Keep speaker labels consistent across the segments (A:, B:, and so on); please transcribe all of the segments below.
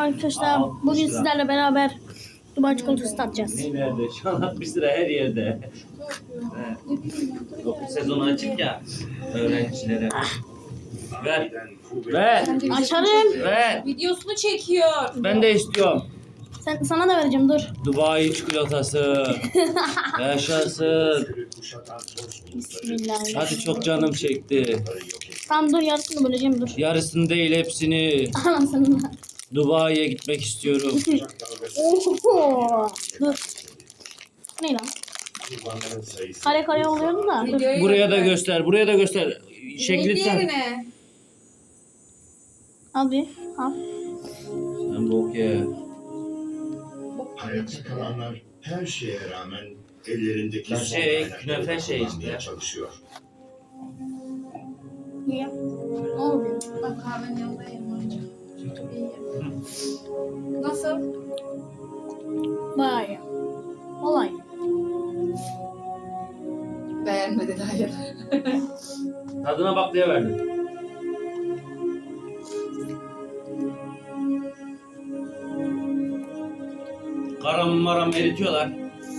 A: Arkadaşlar bugün sizlerle beraber Dubai çikolatası tatacağız.
B: Nerede? Şu an 60 lira her yerde. Okul sezonu açık ya öğrencilere. Ver. Ver.
A: Açalım.
B: Ver.
C: Videosunu çekiyor.
B: Ben de istiyorum.
A: Sana da vereceğim dur.
B: Dubai çikolatası. Yaşasın.
A: Bismillahirrahmanirrahim.
B: Hadi çok canım çekti.
A: Tamam dur yarısını böleceğim dur.
B: Yarısını değil hepsini.
A: Anasını.
B: Dubai'ye gitmek istiyorum.
A: Oho. Dur. Ne lan? Kare kare oluyordu da. Dur.
C: Videoyu
B: Buraya da
C: göster.
B: göster. Buraya da göster. Şekli tam.
C: Diğerine.
A: Al bir. Al.
B: Sen bok ye.
D: Hayatta kalanlar her şeye rağmen ellerindeki
B: Ya
D: son
B: şey,
D: kaynakları
B: künefe şey
D: kullanmaya
B: işte.
D: çalışıyor.
A: Niye? Ne oluyor?
C: Bak kahvenin yanında yerim önce. İyi. Nasıl?
A: Bayağı iyi. Vallahi iyi.
C: Beğenmedi hayır.
B: Tadına bak diye verdim. Karam maram eritiyorlar.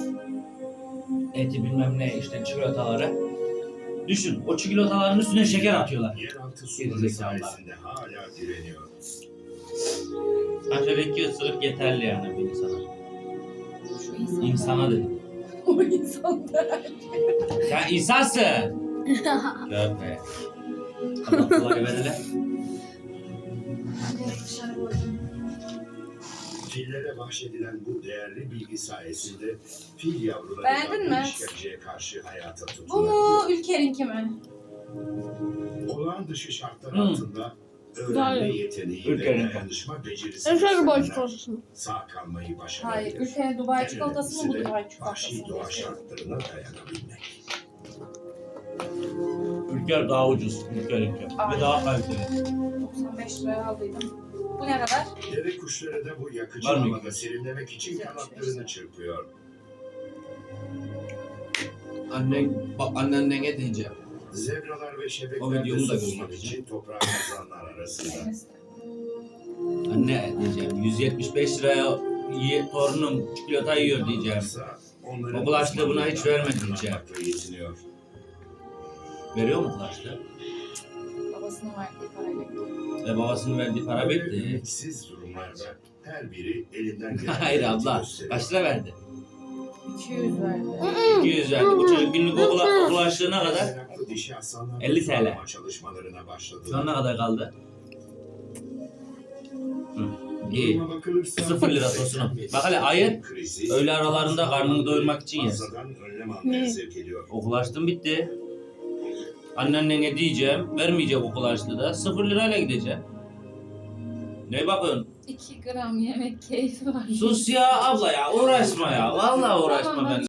B: Eti bilmem ne işte çikolataları. Düşün o çikolataların üstüne şeker atıyorlar.
D: Yeraltı suları
B: Gerizekalılar.
D: sayesinde hala direniyor.
B: Aşağıda 2 ısırık yeterli yani bir insana.
C: Şu insan.
B: İnsana dedim.
C: O insan da.
B: Sen insansın. Köpe. Allah kolay ver hele.
C: Dışarı koydum.
D: Fillere bahşedilen bu değerli bilgi sayesinde fil yavruları
C: Beğendin mi?
D: işkenceye karşı hayata
C: Bu
D: tutunabiliyor.
C: mu Ülker'inki mi?
D: Olağan dışı şartlar
B: Hmm.
D: altında öğrenme
A: Gayet.
D: yeteneği ve
B: Ülkenin.
D: dayanışma becerisi
A: En çok Dubai
D: gösterenler
A: çikolatasını.
D: sağ kalmayı
C: Hayır.
D: başarabilir.
C: Ülker'in Dubai
D: En
C: çikolatası mı bu
D: önemlisi de
C: Dubai
D: vahşi
C: çikolatası
D: doğa
C: mı?
D: şartlarına dayanabilmek.
B: Ülker daha ucuz. Ülkerinki. Ve
C: Aynen.
B: daha kaliteli.
C: 95 liraya aldıydım. Bu ne kadar?
D: Deve kuşları da bu yakıcı
B: Var mı?
D: havada serinlemek için kanatlarını çırpıyor.
E: Annene diyeceğim.
D: Zebralar ve
E: O
D: şebekler de
E: videomu da
D: susuzluk
E: göstereceğim.
D: için toprağa kazanlar arasında.
B: Anne diyeceğim 175 liraya torunum çikolata yiyor diyeceğim.
D: Yoksa onların
B: Okul açlığı buna hiç vermedi diyeceğim.
D: kullanmakla yetiniyor.
B: Veriyor mu kulaçlı?
C: Babasının verdiği parayla gidiyor.
B: Ve babasının verdiği para
D: Böyle
B: bitti.
D: ümitsiz durumlarda her biri elinden gelen
B: Hayır
D: gayreti
B: abla.
D: gösteriyor.
B: Kaç lira verdi?
C: 200 verdi.
B: 200 verdi. Bu çocuk günlük okul açlığına kadar.
D: Meraklı dişi aslanlar
B: 50 TL.
D: sulama çalışmalarına başladı.
B: Şu an ne kadar kaldı? Hı. İyi.
D: Duruma bakılırsa
B: 0 lira tosunu. Bak hele ayır.
D: krizi
B: Öğle aralarında karnını doyurmak için yersin.
D: fazladan önlem almaya
A: Ne?
D: sevk ediyor.
B: Okul açtım bitti. Annene diyeceğim. Vermeyecek okul açlığı da. 0 lirayla gideceğim. Ne bakıyorsun?
C: 2 gram yemek keyfi var.
B: Sus ya abla ya. Uğraşma ya. Vallahi uğraşma
C: Tamam,
B: ben.